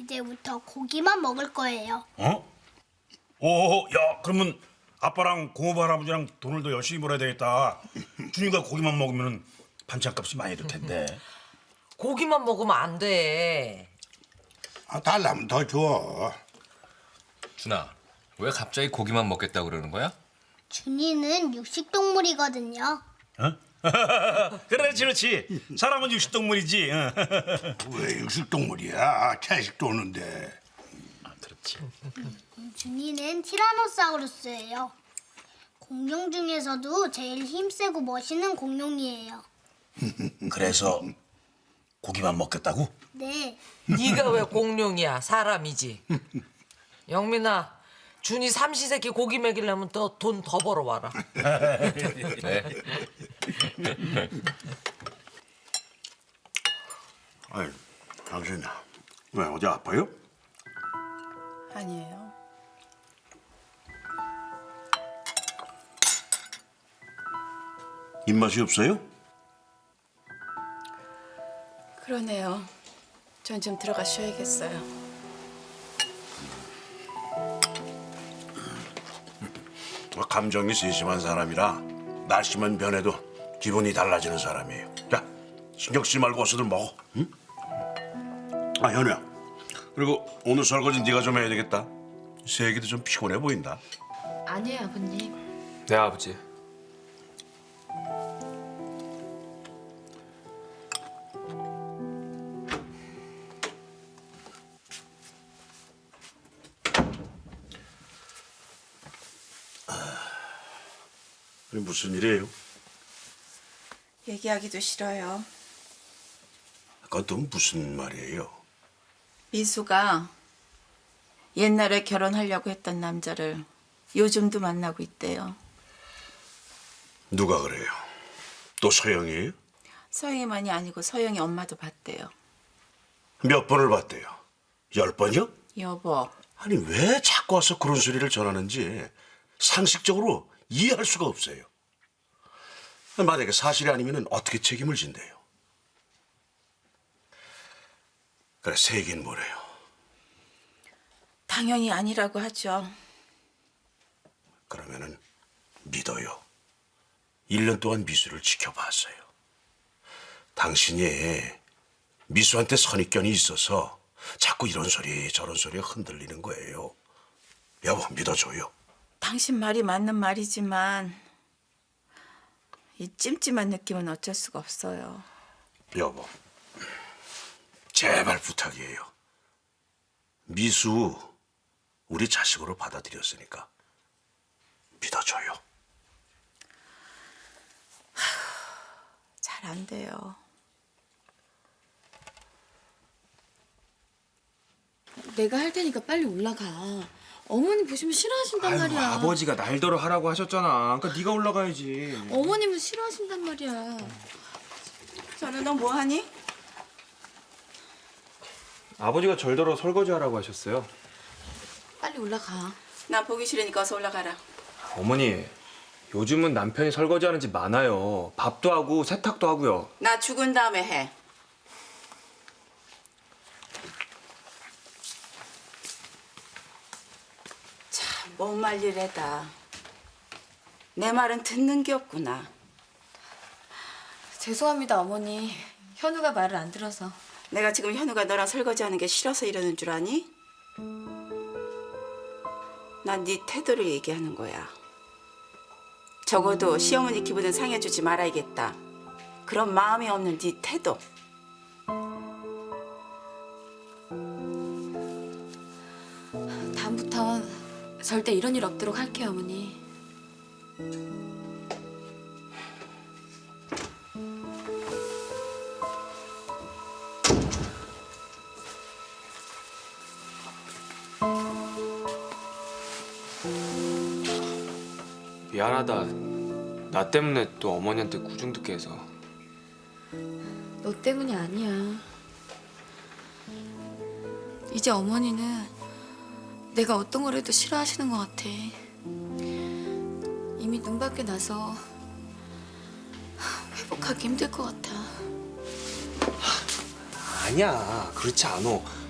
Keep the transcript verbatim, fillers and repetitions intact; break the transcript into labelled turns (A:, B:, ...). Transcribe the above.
A: 이제부터 고기만 먹을 거예요.
B: 어? 오, 야, 그러면 아빠랑 고모부 할아버지랑 돈을 더 열심히 벌어야 되겠다. 준이가 고기만 먹으면 반찬값이 많이 들 텐데.
C: 고기만 먹으면 안 돼.
D: 아, 달라면 더 줘.
E: 준아, 왜 갑자기 고기만 먹겠다고 그러는 거야?
A: 준이는 육식동물이거든요.
B: 어? 그렇지, 그렇지. 사람은 육식동물이지. 어.
D: 왜 육식동물이야? 채식도 오는데.
B: 아, 그렇지.
A: 준이는 티라노사우루스예요. 공룡 중에서도 제일 힘세고 멋있는 공룡이에요.
B: 그래서 고기만 먹겠다고?
A: 네.
C: 네가 왜 공룡이야? 사람이지. 영민아, 준이 삼시세끼 고기 먹이려면 더 돈 더 벌어와라.
E: 네.
D: 아이, 당신 왜 어디 아파요?
F: 아니에요.
D: 입맛이 없어요?
F: 그러네요. 전 좀 들어가 쉬어야겠어요.
D: 감정이 세심한 사람이라 날씨만 변해도 기분이 달라지는 사람이에요. 자, 신경 쓰지 말고 어서들 먹어. 응? 아, 현우야. 그리고 오늘 설거지 네가 좀 해야 되겠다. 세기도 좀 피곤해 보인다.
F: 아니에요, 아버님.
E: 네, 아버지.
D: 그게 무슨 일이에요?
F: 얘기하기도 싫어요.
D: 그건 또 무슨 말이에요?
F: 미수가 옛날에 결혼하려고 했던 남자를 요즘도 만나고 있대요.
D: 누가 그래요? 또 서영이에요?
F: 서영이만이 아니고 서영이 엄마도 봤대요.
D: 몇 번을 봤대요? 열 번이요?
F: 여보,
D: 아니 왜 자꾸 와서 그런 소리를 전하는지 상식적으로 이해할 수가 없어요. 만약에 사실이 아니면 어떻게 책임을 진대요? 그래, 세긴 뭐래요?
F: 당연히 아니라고 하죠.
D: 그러면은 믿어요. 일 년 동안 미수를 지켜봤어요. 당신이 미수한테 선입견이 있어서 자꾸 이런 소리 저런 소리에 흔들리는 거예요. 여보, 믿어줘요.
F: 당신 말이 맞는 말이지만 이 찜찜한 느낌은 어쩔 수가 없어요.
D: 여보, 제발 부탁이에요. 미수 우리 자식으로 받아들였으니까 믿어줘요.
F: 잘 안 돼요.
G: 내가 할 테니까 빨리 올라가. 어머니 보시면 싫어하신단
H: 아유,
G: 말이야.
H: 아버지가 날더러 하라고 하셨잖아. 그러니까 네가 올라가야지.
G: 어머님은 싫어하신단 말이야.
F: 저는 너 뭐하니?
H: 아버지가 절더러 설거지 하라고 하셨어요.
G: 빨리 올라가.
F: 나 보기 싫으니까 어서 올라가라.
H: 어머니, 요즘은 남편이 설거지하는 집 많아요. 밥도 하고 세탁도 하고요.
F: 나 죽은 다음에 해. 참, 못 말리래다. 내 말은 듣는 게 없구나.
G: 죄송합니다, 어머니. 현우가 말을 안 들어서.
F: 내가 지금 현우가 너랑 설거지하는 게 싫어서 이러는 줄 아니? 난 네 태도를 얘기하는 거야. 적어도 시어머니 기분은 상해주지 말아야겠다. 그런 마음이 없는 네 태도.
G: 다음부턴 절대 이런 일 없도록 할게요, 어머니.
H: 미안하다. 나 때문에 또 어머니한테 구중 듣게 해서.
G: 너 때문이 아니야. 이제 어머니는 내가 어떤 걸 해도 싫어하시는 것 같아. 이미 눈밖에 나서 회복하기 힘들 것 같아.
H: 아니야, 그렇지 않아.